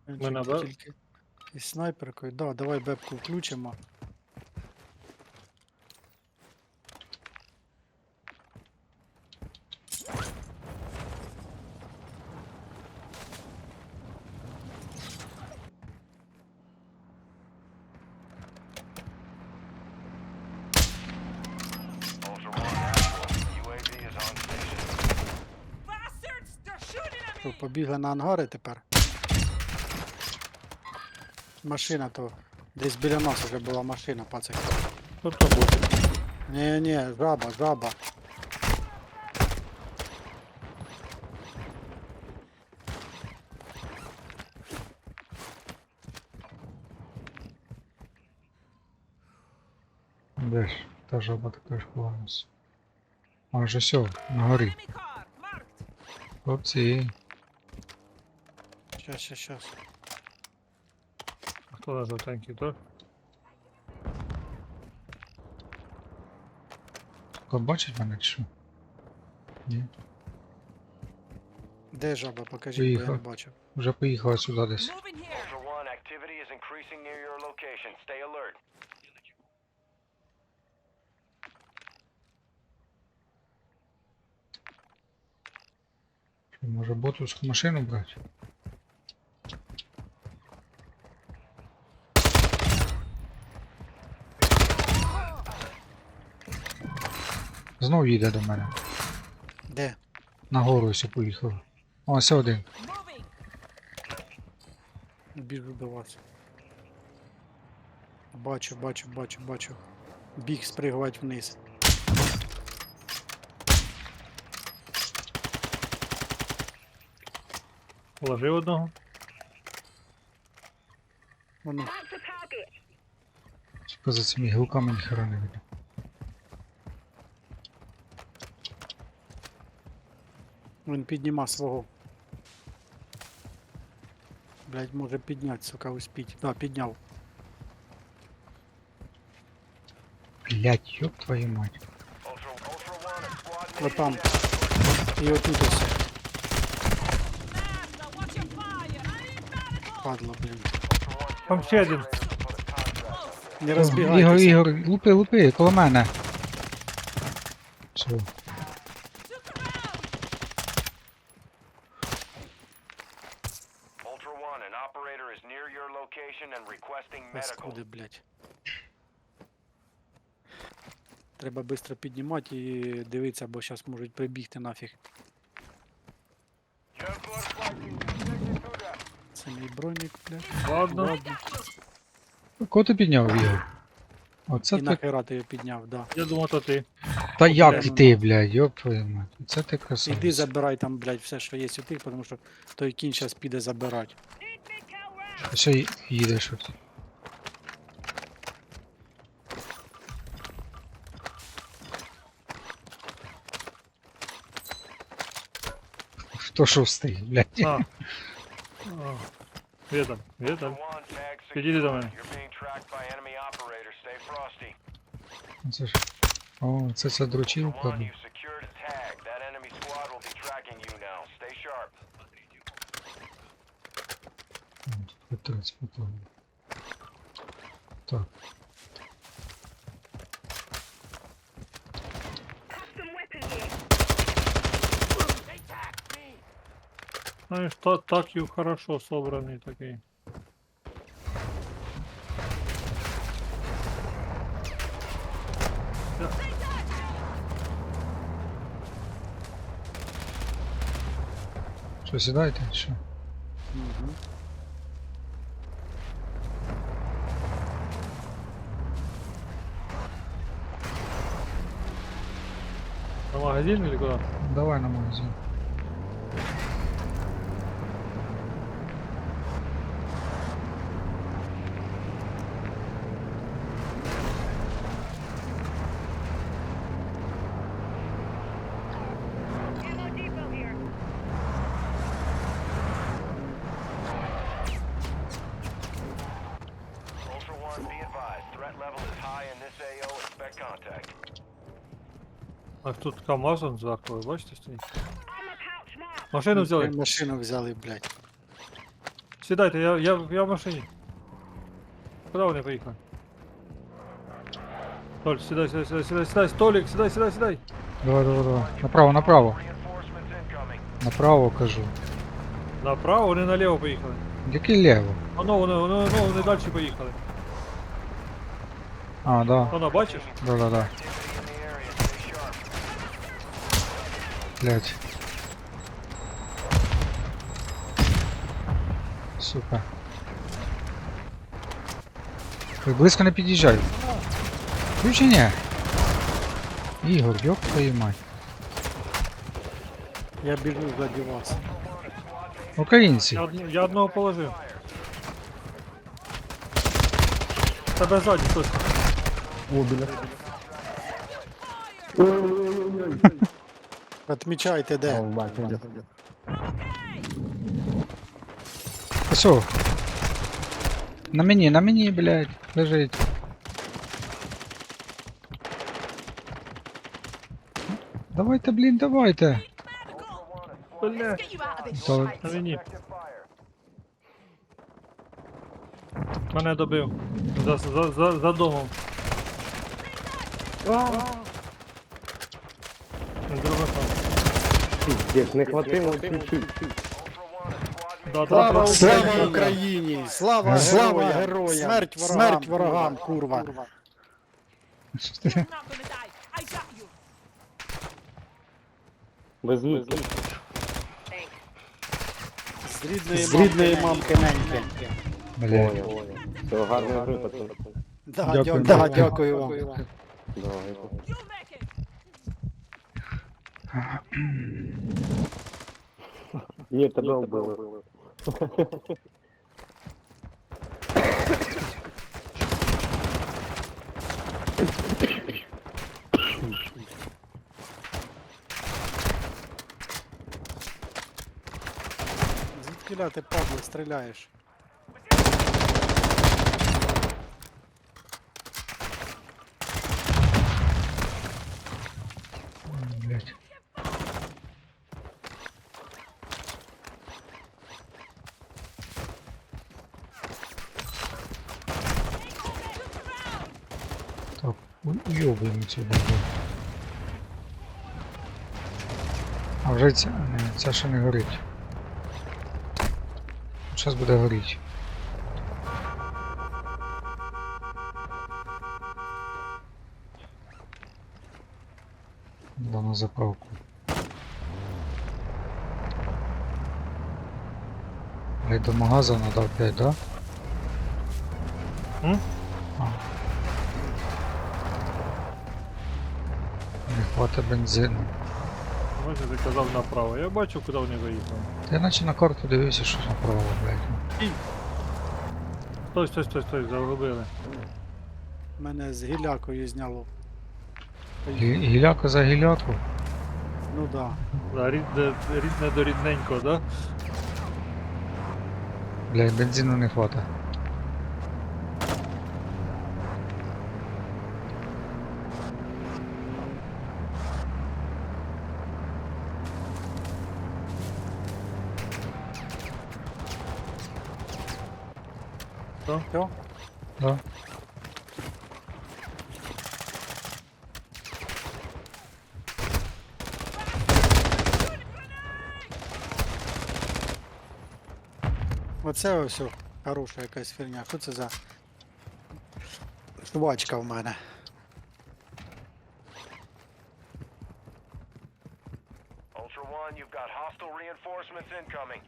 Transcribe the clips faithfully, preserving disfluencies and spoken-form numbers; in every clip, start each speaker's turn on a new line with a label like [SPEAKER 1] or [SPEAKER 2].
[SPEAKER 1] Ми на Б?
[SPEAKER 2] Тільки із снайперкою. Да, давай бебку включимо.
[SPEAKER 3] Ultra One, actual. U A V is on station.
[SPEAKER 4] Bastards! They're shooting at
[SPEAKER 2] Що,
[SPEAKER 4] me!
[SPEAKER 2] побігли на ангари тепер? Машина то. Десь біля нас вже була машина, пацики.
[SPEAKER 1] Тобто буде.
[SPEAKER 2] Ні, ні, жаба, жаба.
[SPEAKER 5] Де ж? Та жаба така ж ховалась. А вже все, на горі.
[SPEAKER 4] Enemy car! Marked!
[SPEAKER 5] Хлопці.
[SPEAKER 2] Щас, щас, щас.
[SPEAKER 1] А хто на жовтенький, то?
[SPEAKER 5] Хто бачить мене чи що? Ні.
[SPEAKER 2] Де жаба? Покажіть, бо я не
[SPEAKER 5] Поїхав.
[SPEAKER 2] бачив.
[SPEAKER 5] Вже поїхала сюди десь.
[SPEAKER 4] Moving here!
[SPEAKER 3] Ultra One, activity is increasing near your location. Stay alert.
[SPEAKER 5] Що, може ботовську машину брати? Знов їде до мене.
[SPEAKER 2] Де?
[SPEAKER 5] Нагору ось поїхав. О, ось один.
[SPEAKER 4] Moving!
[SPEAKER 2] Біжу до вас. Бачу, бачу, бачу, бачу. Біг спригувати вниз.
[SPEAKER 1] Положив одного.
[SPEAKER 2] Воно.
[SPEAKER 5] Тільки за цими гілками ніхера не видно.
[SPEAKER 2] Він підніма свого. Блять, може підняти, сука, успіть. Да, підняв.
[SPEAKER 5] Блять, ёб твою мать.
[SPEAKER 3] Ultra, Ultra One, a squad
[SPEAKER 2] Вот
[SPEAKER 3] mate
[SPEAKER 2] там.
[SPEAKER 3] is down.
[SPEAKER 2] І отут ось.
[SPEAKER 4] Master, watch your fire! I need medical!
[SPEAKER 2] Падло, блін.
[SPEAKER 3] Ultra One,
[SPEAKER 1] Там
[SPEAKER 3] civil
[SPEAKER 1] ще один.
[SPEAKER 3] operators have put a contract on this.
[SPEAKER 2] Не
[SPEAKER 5] Ігор,
[SPEAKER 2] розбігайтеся.
[SPEAKER 5] Ігор, лупи, лупи, коло мене. Все.
[SPEAKER 4] Took them out!
[SPEAKER 3] Ultra One, an operator is near your location and requesting medical.
[SPEAKER 2] Паскуди, блять. Треба швидко піднімати і дивитися, бо зараз можуть прибігти нафіг. Це мій бронік, блять.
[SPEAKER 1] Ладно.
[SPEAKER 2] Ладно.
[SPEAKER 5] Кого ти підняв, Ігор? Оце
[SPEAKER 2] І
[SPEAKER 5] ти.
[SPEAKER 2] нахера ти його підняв, да.
[SPEAKER 1] Я думав, то ти.
[SPEAKER 5] Та як
[SPEAKER 2] прямо
[SPEAKER 5] і ти, блядь, ёб твою мать. Це ти красавець.
[SPEAKER 2] Іди забирай там, блять, все, що є у тих, тому що той кінь зараз піде забирати.
[SPEAKER 5] Все й- їдеш от. Хто шостий, блядь.
[SPEAKER 1] А. А. Відом, відом. Підійди до мене.
[SPEAKER 3] You're being tracked by enemy operators. Stay frosty.
[SPEAKER 5] Це ж. О, це ця дручилка.
[SPEAKER 3] One,
[SPEAKER 5] блін.
[SPEAKER 3] you've secured a tag. That enemy squad will be tracking you now. Stay sharp.
[SPEAKER 5] Петрець, потім. Так.
[SPEAKER 1] Знаєш, та, так і хорошо собраний такий.
[SPEAKER 5] Що, сідаєте? чи Що?
[SPEAKER 2] Угу.
[SPEAKER 1] На магазин или куда?
[SPEAKER 5] Давай на магазин.
[SPEAKER 3] Ultra One, be advised. Threat level is high in this A O. Expect contact.
[SPEAKER 1] А тут КамАЗ он зверху, ви бачите стоїть? Машину взяли.
[SPEAKER 2] Машину взяли, блять.
[SPEAKER 1] сідайте, я, я, я в машині. Куди вони поїхали? Толь, сідай, сідай, сідай, сідай, сідай, Толік, сідай, сідай, сідай.
[SPEAKER 5] Давай, давай, давай. Направо, направо.
[SPEAKER 3] Reinforcements incoming.
[SPEAKER 5] Направо кажу.
[SPEAKER 1] Направо, вони наліво поїхали.
[SPEAKER 5] Який лево?
[SPEAKER 1] Воно, вони, вони, вони, вони далі поїхали.
[SPEAKER 5] А, да.
[SPEAKER 1] Воно, бачиш?
[SPEAKER 5] Да, да, да.
[SPEAKER 3] Activity in the area. Stay sharp.
[SPEAKER 5] Блять. Сука. Ой, близько не під'їжджай. Включення. Ігор, ёб твою мать.
[SPEAKER 2] Я біжу ззаді вас.
[SPEAKER 5] Українці.
[SPEAKER 1] Я, одну- я одного положив. Тебе ззаді хтось.
[SPEAKER 2] Отмічайте де.
[SPEAKER 5] Посо. На мені, на мені, блядь, лежить. Давайте, блін, давайте.
[SPEAKER 1] Бля,
[SPEAKER 4] Get you out of this
[SPEAKER 5] То-
[SPEAKER 4] shite.
[SPEAKER 1] на мені. Мене добив. За, за, за, за домом. З другого там.
[SPEAKER 6] Пиздец, не хватило чуть-чуть.
[SPEAKER 1] Да, да,
[SPEAKER 2] Слава
[SPEAKER 1] да.
[SPEAKER 2] Україні! Україні! Слава,
[SPEAKER 5] Слава
[SPEAKER 2] героям! Смерть ворогам, смерть ворогам, курва!
[SPEAKER 4] You're not gonna die. I got you.
[SPEAKER 6] Без них.
[SPEAKER 2] З рідної, з рідної мамки неньки.
[SPEAKER 5] Блядь.
[SPEAKER 6] Понял. Все, гарної гри, пацан.
[SPEAKER 2] Да,
[SPEAKER 5] Дякую.
[SPEAKER 2] дякую, да, дякую вам.
[SPEAKER 6] Давай.
[SPEAKER 4] You make it.
[SPEAKER 6] Ні, тебе вбили.
[SPEAKER 2] Звідкіля ти, падло, стріляєш?
[SPEAKER 5] Блядь. Так, уйобуємо цю бабу. А вже ця, не, ця ще не горить. Зараз буде горіти. Да, на заправку. Блядь, до магаза надо опять, да?
[SPEAKER 1] М?
[SPEAKER 5] А. Не хватить бензину.
[SPEAKER 1] Бачиш, ти казав направо. Я бачу, куди вони виїхали.
[SPEAKER 5] Та я наче на карту дивився, що направо, блядь.
[SPEAKER 1] Стой, стой, стой, стой, загубили.
[SPEAKER 2] Мене з гілякою зняло.
[SPEAKER 5] Гі- Гіляка за гіляку.
[SPEAKER 2] Ну да.
[SPEAKER 1] Да, рідне, рідне до рідненького, да?
[SPEAKER 5] Блядь, бензину не хватить.
[SPEAKER 1] Що?
[SPEAKER 2] Що?
[SPEAKER 5] Да?
[SPEAKER 2] Оце ось о, хороша якась фігня. Що це за швачка в мене?
[SPEAKER 3] Ultra One, you've got hostile reinforcements incoming.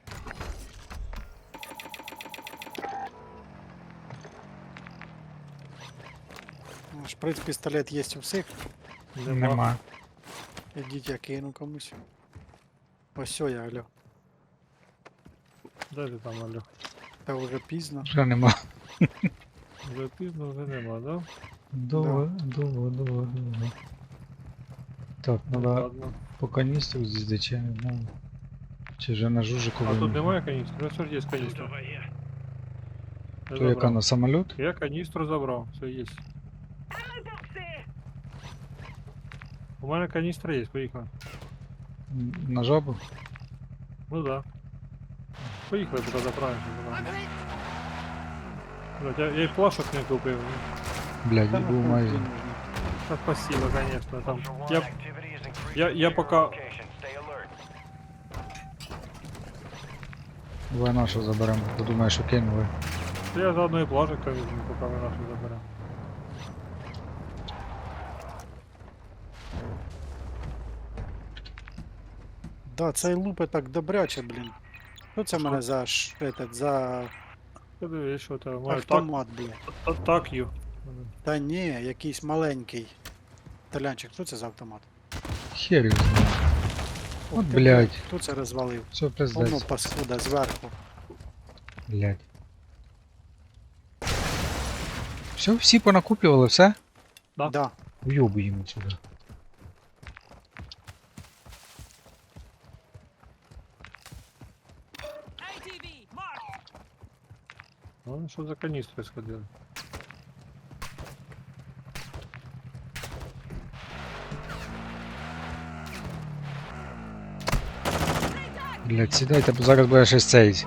[SPEAKER 2] Ну, шприц пістолет є у всіх.
[SPEAKER 5] Нема.
[SPEAKER 2] Ідіть, я кину комусь. Ось сьо я, алло.
[SPEAKER 1] Де ти там, Алю?
[SPEAKER 2] Та вже пізно.
[SPEAKER 5] Вже нема.
[SPEAKER 1] Вже пізно, вже нема, да?
[SPEAKER 5] Довго, довго, довго, довго. Так, надо
[SPEAKER 1] Ладно.
[SPEAKER 5] по каністру з'їздити, чи я не знаю. Чи вже на жужику.
[SPEAKER 1] А тут немає каністри? Ну, все ж є каністра. Я
[SPEAKER 5] То яка
[SPEAKER 1] забрав.
[SPEAKER 5] на самоліт?
[SPEAKER 1] Я каністру забрав, все є. У мене каністра є, поїхали.
[SPEAKER 5] М, На жабу?
[SPEAKER 1] Ну да. Поїхали, поки заправимося. Блядь, я, я й плашок не купив. ні.
[SPEAKER 5] Блядь,
[SPEAKER 2] Та
[SPEAKER 5] я був
[SPEAKER 2] нахуй
[SPEAKER 5] майже.
[SPEAKER 2] тобі нужно.
[SPEAKER 1] Та спасибо, конечно. Там.
[SPEAKER 3] Ultra One,
[SPEAKER 1] Я,
[SPEAKER 3] activity is increasing
[SPEAKER 1] я, я
[SPEAKER 3] near your
[SPEAKER 1] пока...
[SPEAKER 3] location. Stay alert.
[SPEAKER 5] Давай нашу заберемо, подумаєш, що кинули.
[SPEAKER 1] Я заодно і плашок там візьму, поки ми нашу заберемо.
[SPEAKER 2] Да, цей лупи так добряче, блін. Що це в мене за ш... этот, за
[SPEAKER 1] Подивись, що там. Маю так,
[SPEAKER 2] автомат, блін?
[SPEAKER 1] та- так ю.
[SPEAKER 2] Та ні, якийсь маленький. Талянчик, що це за автомат?
[SPEAKER 5] Хер його знає.
[SPEAKER 2] Ох
[SPEAKER 5] От,
[SPEAKER 2] ти,
[SPEAKER 5] блядь.
[SPEAKER 2] Хто це розвалив?
[SPEAKER 5] Все,
[SPEAKER 2] Воно
[SPEAKER 5] пиздець.
[SPEAKER 2] паскуда зверху.
[SPEAKER 5] Блядь. Все, всі понакупівали, все?
[SPEAKER 1] Да.
[SPEAKER 2] Да.
[SPEAKER 5] Уйобуємо сюди.
[SPEAKER 4] A T V, mark.
[SPEAKER 1] Ну, що за каністри сходили?
[SPEAKER 5] Блядь, сідайте, бо зараз буде щось цей.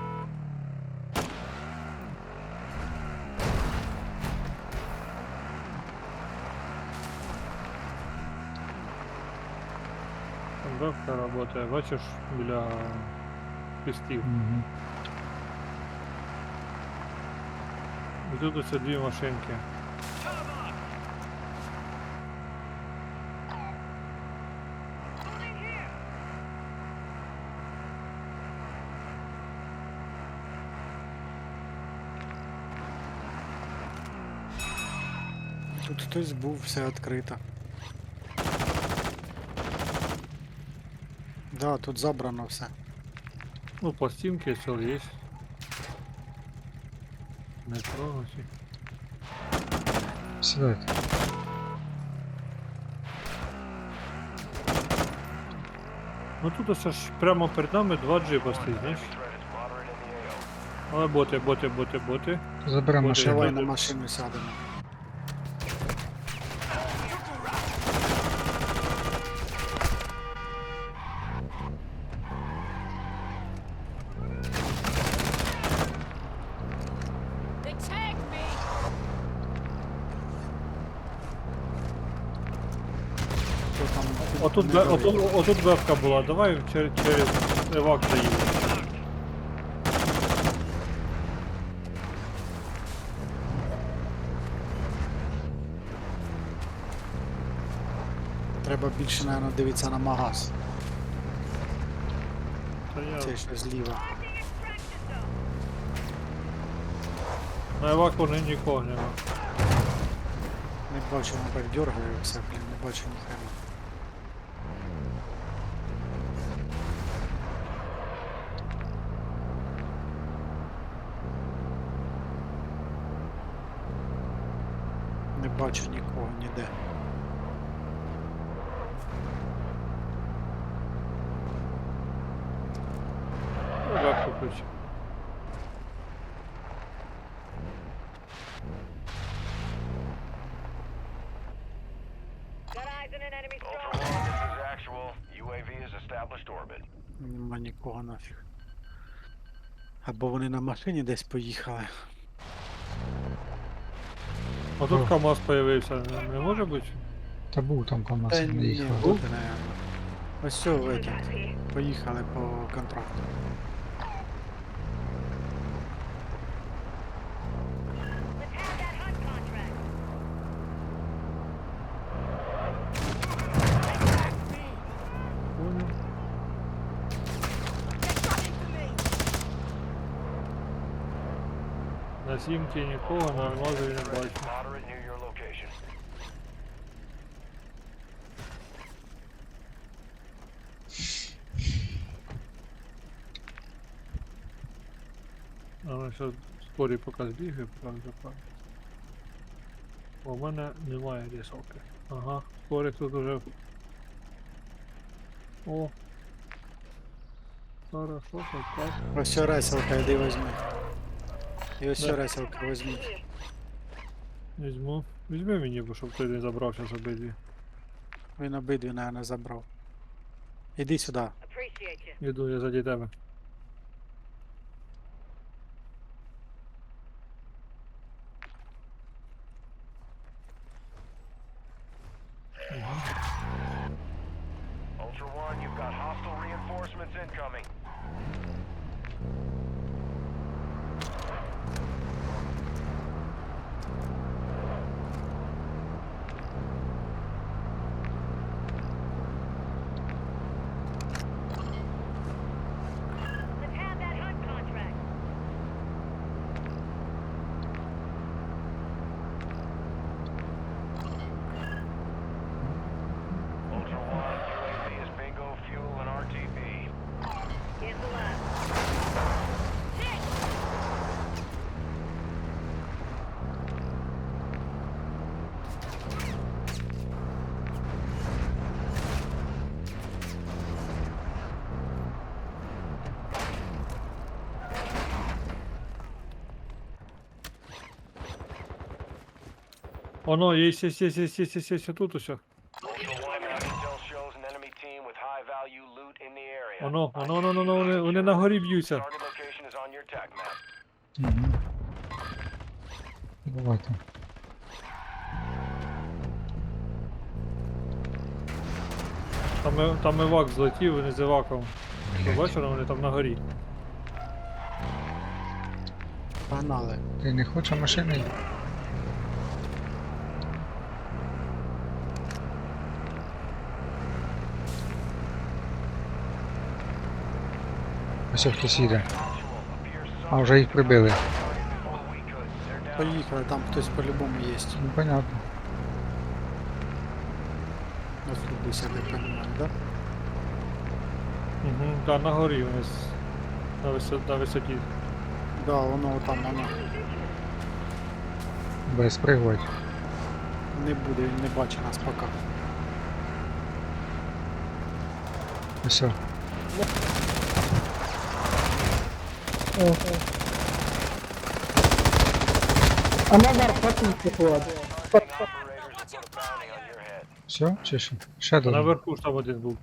[SPEAKER 1] Там вебка работає, бачиш, біля пістів.
[SPEAKER 5] Угу.
[SPEAKER 1] І тут оце дві машинки.
[SPEAKER 2] Тут хтось був, все відкрито. Да, тут забрано все.
[SPEAKER 1] Ну, пластинки все є. Не тронуті.
[SPEAKER 5] Сідайте.
[SPEAKER 1] Ну тут ось ж прямо перед нами два джипа стоїть, знаєш?
[SPEAKER 3] Threat is moderate in the A O.
[SPEAKER 1] Але боти, боти, боти, боти.
[SPEAKER 5] Заберемо
[SPEAKER 1] От,
[SPEAKER 5] машину.
[SPEAKER 2] Давай
[SPEAKER 1] Давай.
[SPEAKER 2] на машину сядемо.
[SPEAKER 4] They tagged me.
[SPEAKER 2] Хто там
[SPEAKER 1] Отут,
[SPEAKER 2] не
[SPEAKER 1] бе-
[SPEAKER 2] горить?
[SPEAKER 1] отут, отут бевка була, давай через, через евак заїдемо.
[SPEAKER 2] Треба більше, мабуть, дивитися на магаз.
[SPEAKER 1] Та я...
[SPEAKER 2] Це що зліва.
[SPEAKER 1] На еваку не нікого нема.
[SPEAKER 2] Не бачу, воно так дергає все, блін, не бачу ніхрена. Не бачу нікого ніде.
[SPEAKER 1] Евак включив.
[SPEAKER 3] Ultra One, this is actual. U A V has established orbit.
[SPEAKER 2] Нема нікого нафіг. Або вони на машині десь поїхали.
[SPEAKER 1] Отут
[SPEAKER 5] О.
[SPEAKER 1] КамАЗ появився, не, не може бути?
[SPEAKER 5] Та був там КамАЗ,
[SPEAKER 2] Та
[SPEAKER 5] не
[SPEAKER 2] ні,
[SPEAKER 5] їхав.
[SPEAKER 2] от, наверно. Ось все, этот. Поїхали по контракту.
[SPEAKER 1] Понял. На сімці нікого, на алмазові не
[SPEAKER 3] Threat is
[SPEAKER 1] бачу.
[SPEAKER 3] moderate near your location.
[SPEAKER 1] А ну що, спорі поки збігаю, правда, правда. У мене немає рисовки. Ага, спорик тут уже. О. Хорошо, так, так.
[SPEAKER 2] Ось все реселка, йди візьми. І ось
[SPEAKER 1] Да.
[SPEAKER 2] все реселка візьміть.
[SPEAKER 1] Візьму. Візьми мені, бо щоб ти не забрав зараз обидві.
[SPEAKER 2] Він обидві, наверное, забрав. Іди сюди.
[SPEAKER 1] Іду я заді тебе.
[SPEAKER 3] Got hostile reinforcements incoming.
[SPEAKER 7] Let's have that hunt contract.
[SPEAKER 3] Ultra One, U A V is bingo fuel and R T B.
[SPEAKER 7] Cancel that.
[SPEAKER 1] Оно, є, є, є, є, є, є, є, є, тут усе.
[SPEAKER 3] Ultra One, our intel shows an enemy team with high value loot in the area.
[SPEAKER 1] Воно, воно, воно, воно, вони, вони на горі б'ються.
[SPEAKER 3] Target location is on your tac map.
[SPEAKER 5] Угу. Давайте.
[SPEAKER 1] Там, і- там івак злетів, вони з іваком. Ти бачиш, вони там на горі.
[SPEAKER 2] Погнали.
[SPEAKER 5] Ти не хочеш машини? Ось хтось їде. А, вже їх прибили.
[SPEAKER 2] Поїхали, там хтось по-любому є.
[SPEAKER 5] Ну, понятно.
[SPEAKER 2] Розслабися, не розумію, да?
[SPEAKER 1] Угу, так, на горі вони з- на, висо, на висоті.
[SPEAKER 2] Да, воно там, воно.
[SPEAKER 5] Без пригодь.
[SPEAKER 2] Не буде, він не бачить нас поки.
[SPEAKER 5] Ось.
[SPEAKER 3] Operators have put a bounty on your head.
[SPEAKER 5] Все? Чи що? Ще
[SPEAKER 1] А
[SPEAKER 5] до.
[SPEAKER 1] наверху ж там один був.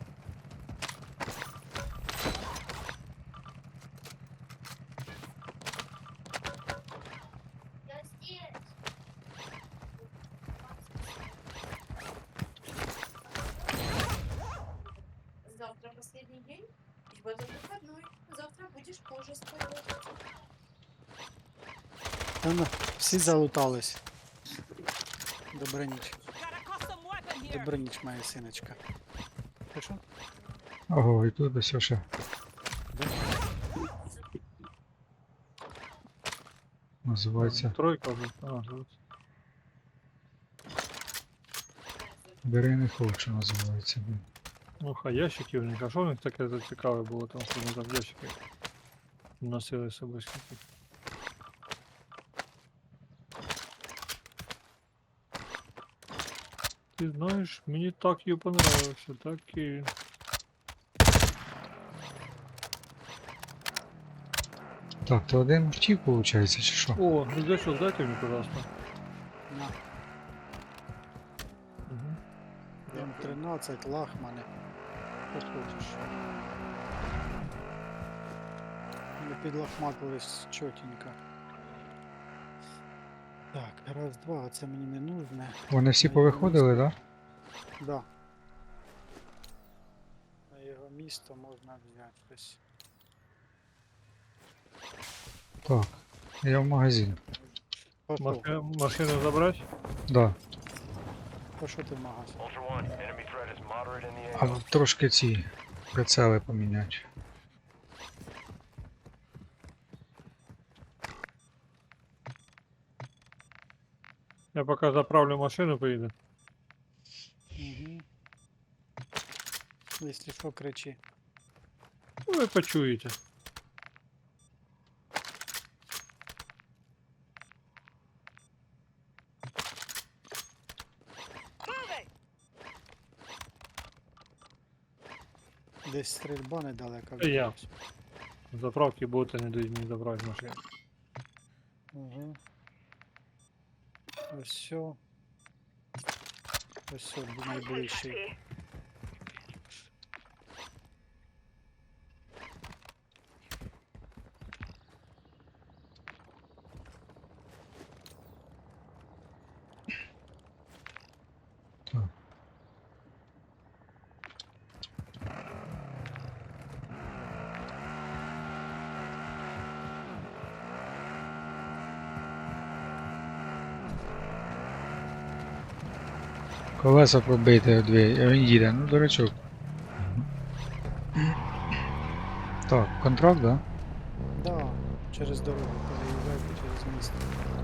[SPEAKER 8] Завтра последний день, и в этот выходной. Завтра будешь позже спать.
[SPEAKER 2] Та ну, всі залутались. Добра ніч.
[SPEAKER 4] Got a custom weapon here.
[SPEAKER 2] Добра ніч, моя синочка. Ти що?
[SPEAKER 5] Ого, і тут ось ще. Називається
[SPEAKER 1] Тройка вже. А, тут.
[SPEAKER 5] Бери не хочу, називається. блін.
[SPEAKER 1] Ну, хай ящики в них. А що в них таке цікаве було там, що вони там ящики носили з собою скільки? Ти знаєш, мені так і понравився, так і...
[SPEAKER 5] Так, то один втік, виходить, чи що?
[SPEAKER 1] О, рюкзачок дайте мені, пожалуйста.
[SPEAKER 2] На,
[SPEAKER 1] Угу.
[SPEAKER 2] М тринадцять, лахмани. Що хочеш? Ми підлахматились чотенько. Так, раз, два, а це мені не нужне.
[SPEAKER 5] Вони всі повиходили, так? Да?
[SPEAKER 2] Да. На його місто можна взяти щось.
[SPEAKER 5] Так. Я в магазин.
[SPEAKER 2] Пошов.
[SPEAKER 1] Машину, машину забрати?
[SPEAKER 5] Да.
[SPEAKER 2] Пошов ти в магазин.
[SPEAKER 3] Ultra One, enemy threat is moderate in the
[SPEAKER 5] А
[SPEAKER 3] A O.
[SPEAKER 5] трошки ці прицели поміняти.
[SPEAKER 1] Я поки заправлю машину, поїду.
[SPEAKER 2] Угу. Якщо що, кричи.
[SPEAKER 1] Ну, ви почуєте.
[SPEAKER 4] Move it.
[SPEAKER 2] Десь стрільба недалеко.
[SPEAKER 1] Це я. Заправки боти не дають мені забрати машину.
[SPEAKER 2] Угу. Ось все. Ось все, найближчий.
[SPEAKER 5] Так. Колеса пробити дві, а він їде, ну дурачок. Так, контракт, да?
[SPEAKER 2] Да, через дорогу переїжджайте через місто.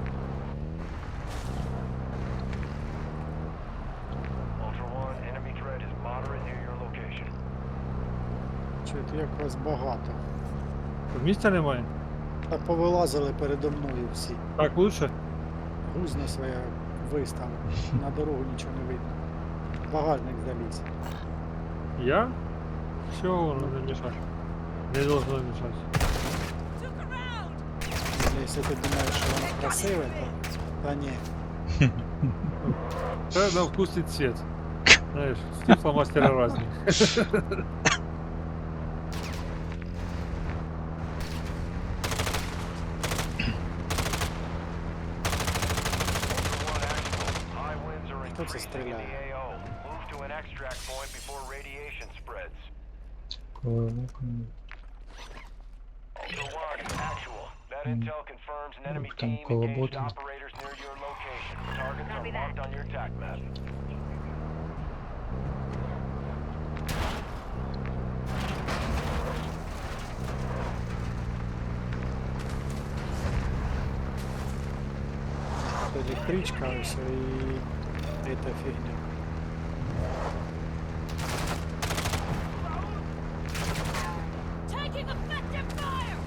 [SPEAKER 3] Ultra One, enemy threat is moderate near your location.
[SPEAKER 2] Чуєте, як вас багато.
[SPEAKER 1] Тут місця немає?
[SPEAKER 2] Та повилазили передо мною всі.
[SPEAKER 1] Так лучше?
[SPEAKER 2] Гузно своє вистав. На дорогу нічого не видно. Багажник заліз.
[SPEAKER 1] Я? Всього воно не мішать. Не должно мішати.
[SPEAKER 4] Look around!
[SPEAKER 2] Якщо ти думаєш, що воно красиве, то та ні.
[SPEAKER 1] Це на вкус і цвет. Знаєш, стекла мастера різні.
[SPEAKER 3] Ultra One, actual. High winds are
[SPEAKER 2] Хто це
[SPEAKER 3] increasing in
[SPEAKER 2] стріляє?
[SPEAKER 3] the A O. Move to an extract point before radiation spreads.
[SPEAKER 5] Коли виконує.
[SPEAKER 3] Ultra One, actual. That
[SPEAKER 5] Hmm.
[SPEAKER 3] intel confirms an enemy
[SPEAKER 5] Там
[SPEAKER 3] team
[SPEAKER 5] коло
[SPEAKER 3] engaged
[SPEAKER 5] бота.
[SPEAKER 3] operators near your location. Targets are
[SPEAKER 7] Copy that.
[SPEAKER 3] marked on your attack map.
[SPEAKER 2] Електричка ось і эта фігня.
[SPEAKER 4] Taking effective fire!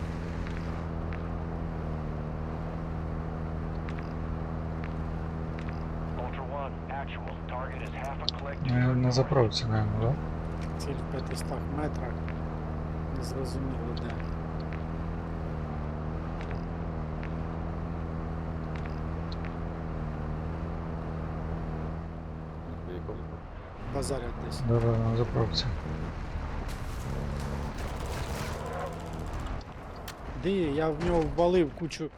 [SPEAKER 3] Ultra One, actual. Target is half a click to
[SPEAKER 5] Е,
[SPEAKER 3] your
[SPEAKER 5] На
[SPEAKER 3] north.
[SPEAKER 5] заправці, наверное, да?
[SPEAKER 2] Ціль в п'ятистах метрах. Не зрозуміло де. Базарять десь.
[SPEAKER 5] Да, да, на заправці.
[SPEAKER 2] Де є? Я в нього ввалив кучу.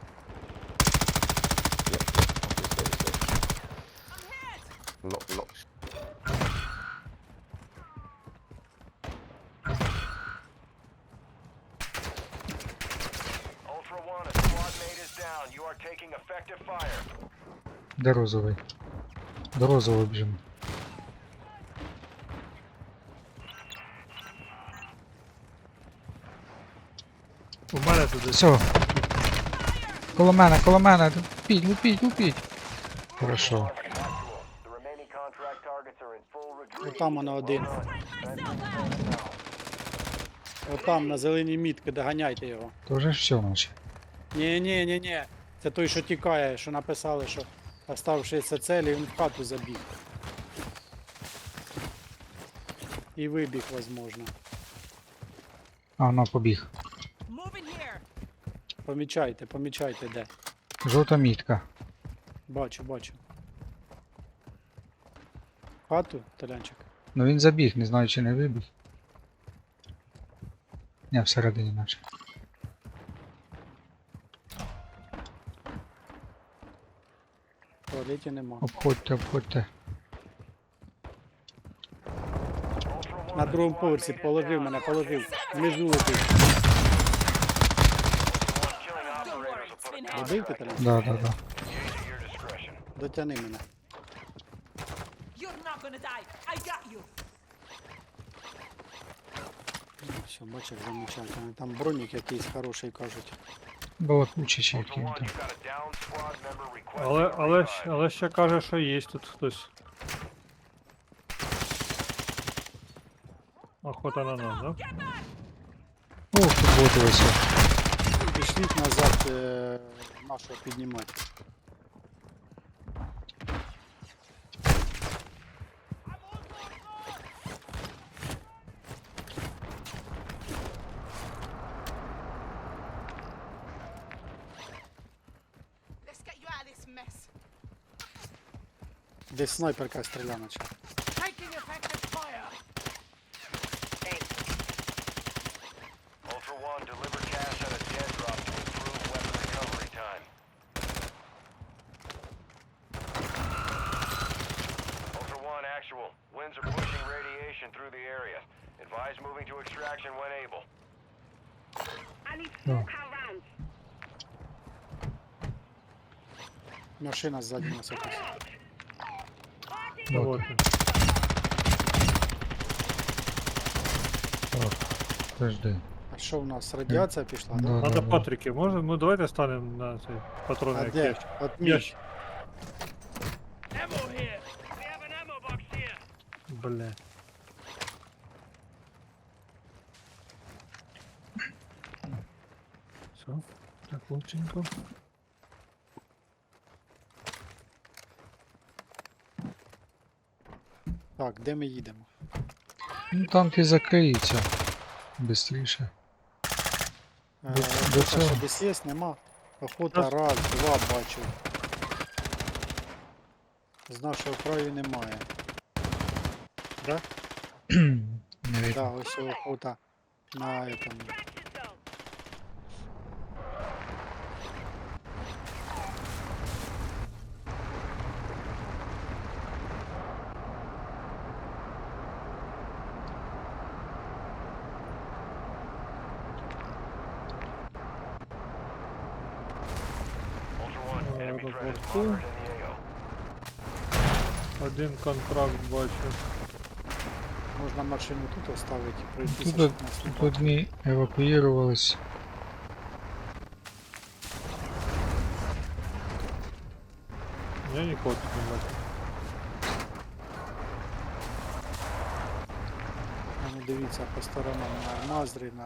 [SPEAKER 3] Ultra One, a squad mate is down. You are taking effective fire.
[SPEAKER 5] Де розовий? До розового біжимо.
[SPEAKER 1] У мене тут десь.
[SPEAKER 5] Все. Коло мене, коло мене. Лупіть, лупіть, лупіть. Хорошо.
[SPEAKER 3] Ultra One, actual. The remaining contract targets are in full retreat.
[SPEAKER 2] Отам воно один.
[SPEAKER 3] Well done. Finish now.
[SPEAKER 2] Отам на зеленій мітки, доганяйте його.
[SPEAKER 5] То вже ж все, наче.
[SPEAKER 2] Ні, ні, ні, ні. Це той, що тікає, що написали, що оставшися целі, він в хату забіг. І вибіг, возможно.
[SPEAKER 5] А, на, побіг.
[SPEAKER 4] Moving here!
[SPEAKER 2] Помічайте, помічайте де.
[SPEAKER 5] Жовта мітка.
[SPEAKER 2] Бачу, бачу. В хату, Толянчик?
[SPEAKER 5] Ну він забіг, не знаю, чи не вибіг. Не, всередині наче.
[SPEAKER 2] В туалеті нема.
[SPEAKER 5] Обходьте, обходьте.
[SPEAKER 3] Ultra One,
[SPEAKER 2] На
[SPEAKER 3] a
[SPEAKER 2] другому
[SPEAKER 3] squad
[SPEAKER 2] поверсі
[SPEAKER 3] mate is
[SPEAKER 2] положив
[SPEAKER 3] down.
[SPEAKER 2] мене,
[SPEAKER 3] You are
[SPEAKER 2] положив.
[SPEAKER 3] taking
[SPEAKER 2] Внизу
[SPEAKER 3] effective
[SPEAKER 2] летить.
[SPEAKER 3] fire. Killing
[SPEAKER 4] Don't
[SPEAKER 3] operators
[SPEAKER 4] worry,
[SPEAKER 3] will
[SPEAKER 4] it's
[SPEAKER 3] put a
[SPEAKER 4] finished.
[SPEAKER 2] Добив ти,
[SPEAKER 3] contract
[SPEAKER 2] Толян?
[SPEAKER 5] Да, да, да.
[SPEAKER 3] Use at your discretion.
[SPEAKER 2] Дотяни мене.
[SPEAKER 4] You're not gonna die! I got you!
[SPEAKER 2] Все, бачиш, замечательно. Там бронік якийсь хороший, кажуть.
[SPEAKER 5] Балакучий чи
[SPEAKER 3] Ultra
[SPEAKER 5] який він
[SPEAKER 3] One,
[SPEAKER 5] там.
[SPEAKER 3] you've got a down squad member requesting
[SPEAKER 1] Але,
[SPEAKER 3] a
[SPEAKER 1] але,
[SPEAKER 3] revive.
[SPEAKER 1] щ- але ще каже, що є тут хтось. Охота на нас, да?
[SPEAKER 4] Get back!
[SPEAKER 5] Ох, тут боти ось.
[SPEAKER 2] Пішліть назад е, нашого піднімати.
[SPEAKER 9] Let's get you out of this mess.
[SPEAKER 2] Десь снайперка стріляє наче.
[SPEAKER 9] Taking effective fire.
[SPEAKER 3] Ultra One, deliver cash at a dead drop to improve weapon recovery time. Ultra One, actual. Winds are pushing radiation through the area. Advise moving to extraction when able.
[SPEAKER 7] I need
[SPEAKER 5] No.
[SPEAKER 7] smoke around.
[SPEAKER 2] Машина ззаді нас якась.
[SPEAKER 7] Party
[SPEAKER 1] Ну,
[SPEAKER 5] Вот.
[SPEAKER 1] вот. він.
[SPEAKER 5] Подожди.
[SPEAKER 2] А що в нас? Радіація пішла, да?
[SPEAKER 5] Да,
[SPEAKER 1] Надо
[SPEAKER 5] да, да.
[SPEAKER 1] патрики. Може, ну давайте станемо на цей патрони
[SPEAKER 2] А
[SPEAKER 1] як
[SPEAKER 2] де?
[SPEAKER 1] є.
[SPEAKER 2] От
[SPEAKER 1] Я
[SPEAKER 2] мій.
[SPEAKER 1] ж-
[SPEAKER 3] Ammo here! We have an ammo box here!
[SPEAKER 1] Бля. Все, так лученько.
[SPEAKER 2] Так, де ми їдемо?
[SPEAKER 5] Ну там ти закриється. Бистріше.
[SPEAKER 2] Е,
[SPEAKER 5] До- до
[SPEAKER 2] охота
[SPEAKER 5] цього.
[SPEAKER 2] що десь є, нема. Охота
[SPEAKER 1] Раз.
[SPEAKER 2] раз, два бачу. Знав, що в краю немає. Да?
[SPEAKER 5] Не видно.
[SPEAKER 2] Да, ось охота на этом.
[SPEAKER 3] Ultra One, enemy threat is
[SPEAKER 1] Аеропорту.
[SPEAKER 3] moderate in the A O.
[SPEAKER 1] Один контракт бачу.
[SPEAKER 2] Можна машину тут оставити і пройтися,
[SPEAKER 5] Тут,
[SPEAKER 2] щоб нас не
[SPEAKER 5] тут
[SPEAKER 2] бачили.
[SPEAKER 5] одні евакуювались.
[SPEAKER 1] Я нікого тут не бачу.
[SPEAKER 2] А ну дивіться по сторонам на Мазрі, на...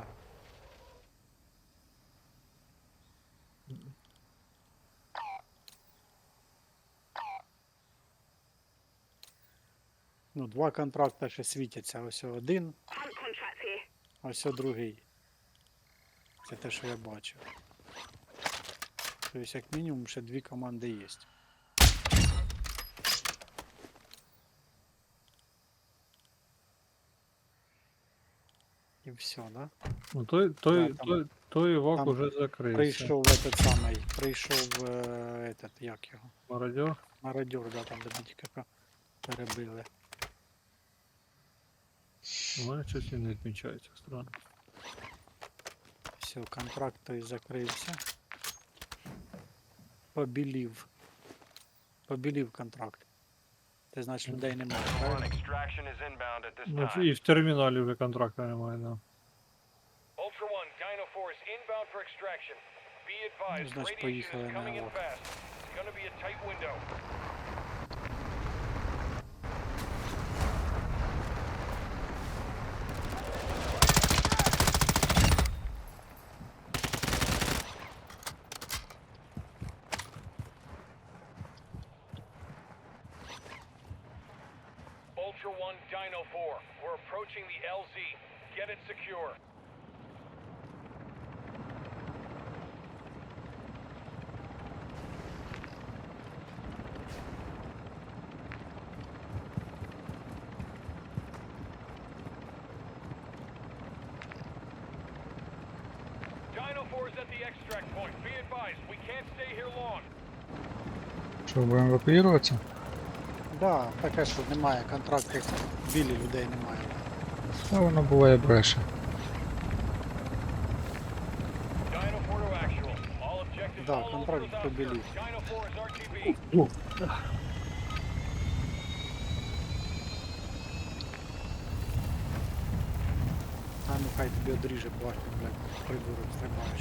[SPEAKER 2] Ну, два контракти ще світяться. Ось один,
[SPEAKER 7] Hunt contracts here.
[SPEAKER 2] а ось другий. Це те, що я бачив. Тобто, як мінімум, ще дві команди є. І все, да?
[SPEAKER 1] Ну той, той,
[SPEAKER 2] Да, там-
[SPEAKER 1] той, той івак
[SPEAKER 2] там
[SPEAKER 1] уже закрився.
[SPEAKER 2] Прийшов этот самий, прийшов е, этот, як його?
[SPEAKER 1] Мародер.
[SPEAKER 2] Мародер, да, там де Бітіка перебили.
[SPEAKER 1] У мене щось він не відмічається странно.
[SPEAKER 2] Все, контракт той закрився. Побілів. Побілів контракт. Це значить людей немає,
[SPEAKER 3] Ultra One,
[SPEAKER 2] правильно?
[SPEAKER 3] extraction is inbound at this
[SPEAKER 1] Ну,
[SPEAKER 3] time.
[SPEAKER 1] і в терміналі вже контракта немає, да.
[SPEAKER 3] Ultra One, Dino four is inbound for extraction. Be advised,
[SPEAKER 2] значить,
[SPEAKER 3] radiation
[SPEAKER 2] поїхали
[SPEAKER 3] is coming in
[SPEAKER 2] наверх.
[SPEAKER 3] fast. It's gonna be a tight window. Ultra One, Dino four, we're approaching the L Z. Get it secure. Dino four is at the extract point. Be advised, we can't stay here long.
[SPEAKER 5] Що, будемо евакуюватися?
[SPEAKER 2] Да, таке, що немає контрактів, білі людей немає.
[SPEAKER 5] Та воно буває бреше.
[SPEAKER 3] Dino four to actual. All objectives
[SPEAKER 2] Да,
[SPEAKER 3] all
[SPEAKER 2] контракт
[SPEAKER 3] over without
[SPEAKER 2] побілів.
[SPEAKER 3] search. Dino four is R T B.
[SPEAKER 2] А ну хай тобі одріже башню, блядь, придурок стрибаєш.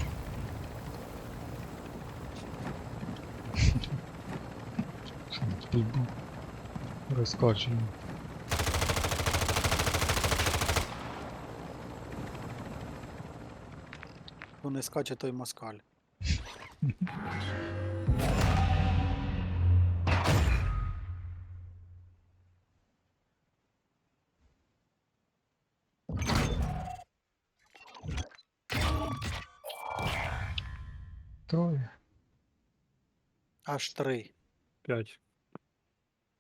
[SPEAKER 5] Бульбу. Розкачуємо.
[SPEAKER 2] Хто не скаче, той москаль.
[SPEAKER 5] Троє.
[SPEAKER 2] Аж три.
[SPEAKER 1] П'ять.